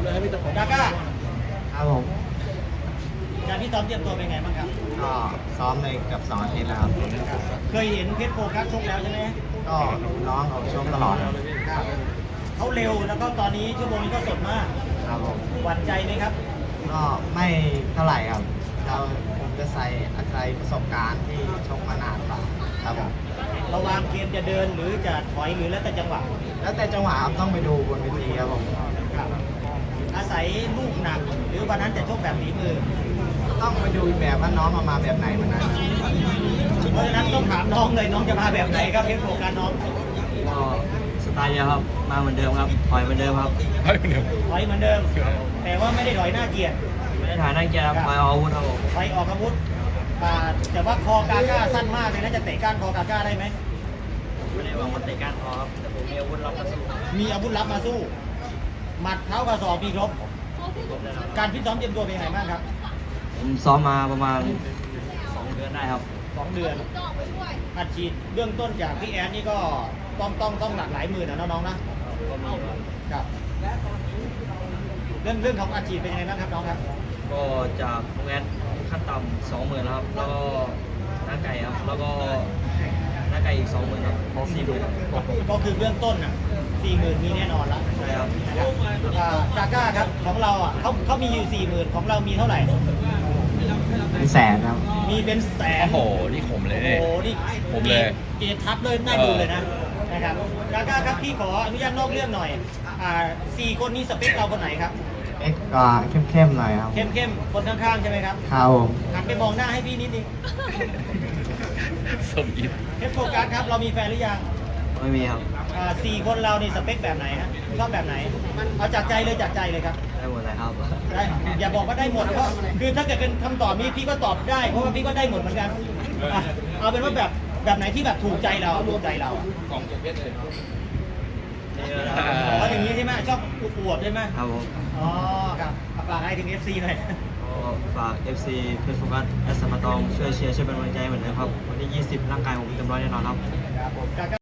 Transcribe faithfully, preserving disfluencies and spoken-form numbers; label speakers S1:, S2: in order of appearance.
S1: กาก้า
S2: ครับผม
S1: การที่ซ้อมเตรียมตัวเป็นไงบ้างครับ
S2: ก็ซ้อมในเกือบสองอาทิตย์แล้วครับ
S1: เคยเห็นเพชรโฟกัสชกแล้วใช่ไหม
S2: ก็น้องเขาชกตลอดครับ
S1: ครับเขาเร็วแล้วก็ตอนนี้ชั่วโมงนี้ก็สดมาก
S2: ครับผม
S1: หวั่นใจไหมครับ
S2: ก็ไม่เท่าไหร่ครับเราผมจะใส่อาศัยประสบการณ์ที่ชกมานานกว่าครับผม
S1: เราวางเกมจะเดินหรือจะถอยหรือแล้วแต่จังหวะ
S2: แล้วแต่จังหวะครับต้องไปดูบนเวทีครับผม
S1: ครับอาศัยลูกหนักหรือวันนั้นจะชกแบบฝีมือ
S2: ต้องไปดูอีกแบบว่าน้องเอามาแบบไหนวันนั้น
S1: เพราะฉะนั้นต้องถามน้องเลยน้องจะมาแบบไหนครับเพชรโฟกัสน้อง
S2: ก็สไตล์เดียวครับมาเหมือนเดิมครับถอยเหมือนเดิมครับ
S1: ถอยเหมือนเดิม แต่ว่าไม่ได้ถอยหน้าเกียร์
S2: ไม่ได้ถ่ายนั่งเกียร์ครับถอยเอาอาวุธครับผม
S1: ถอยออกอาวุธอ่าแต่ว่าคอกาก้าสั้นมากเลยนะจะเตะก้านคอกาก้าได้ไหม
S2: ไม่ได้วางมันเตะก้านคอครับแต่ผมมีอาวุธรับกระสุน
S1: มีอาวุธลับมาสู้ หมัดเท้ากระสอบมีครบ การพิตซ้อมเตรียมตัวเป็นยังไงบ้างครับ
S2: ผมซ้อมมาประมาณสองเดือนได้ครับ
S1: สองเดือนอัดฉีดเบื้องต้นจากพี่แอนนี่ก็ต้องต้องต้องหลักหลายหมื่นนะน้องๆนะ
S2: ก็มีครับ
S1: ครับ เรื่องเรื่องของอัดฉีดเป็นยังไงบ้างครับน้องครับ
S2: ก็จากโรงแรมขั้นต่ำสองหมื่นแล้วครับ แล้วก็หน้าไก่ครับ แล้วก็หน้าไก่อีกสองหมื่นครับสี่หมื่นครับ
S1: ก็คือเบื้องต้นน่ะสี่หมื่นมีแน่นอนแล้ว
S2: ใช่ครับ
S1: กาก้าครับของเราอ่ะเขาเขามีอยู่สี่หมื่นของเรามีเท่าไหร่
S2: เป็นแสนครับ
S1: มีเป็นแสน
S3: โอ้โห นี่ขมเลย
S1: โอ้โหนี่
S3: ผมเลย
S1: เกยรทับเลยน่าดูเลยนะนะครับกาก้าครับพี่ขออนุญาตนอกเรื่องหน่อยอ่าสี่คนนี้สเปคเราคนไหนครับ
S2: เอ็กก็เข้มๆหน่อยครับ
S1: เข้มเข้มๆคนข้างๆใช่ไหมครับ
S2: ครับผม
S1: หันไปมองหน้าให้พี่นิดนึง
S3: สมอิด
S1: เพชรโฟกัสครับเรามีแฟนหรือยัง
S2: ไม่มีครับ
S1: อ่าสี่คนเรานี่สเปคแบบไหนฮะชอบแบบไหนเอาจากใจเลยจากใจเลยครับ
S2: ได้หมดเลยครับ
S1: ได้อย่าบอกว่าได้หมดเพราะคือถ้าเกิดเป็นคำตอบนี้พี่ก็ตอบได้เพราะว่าพี่ก็ได้หมดเหมือนกันอ่ะเอาเป็นว่าแบบแบบไหนที่แบบถูกใจเราถูกใจเราอ่ะ
S3: ของเพชรเลย
S1: อ๋ออย่างนี้ใช่ไหมชอบอวดใช่ไหม
S2: ครับผม
S1: อ๋อครับฝากให้ถึง เอฟ ซี หน่อย
S2: ก็ฝาก เอฟ ซี เพชรโฟกัสและสมตองช่วยเชียร์ช่วยเป็นกำลังใจเหมือนเดิมครับ วันที่ยี่สิบร่างกายผมเต็มร้อยแน่นอนครับ
S1: ครับผม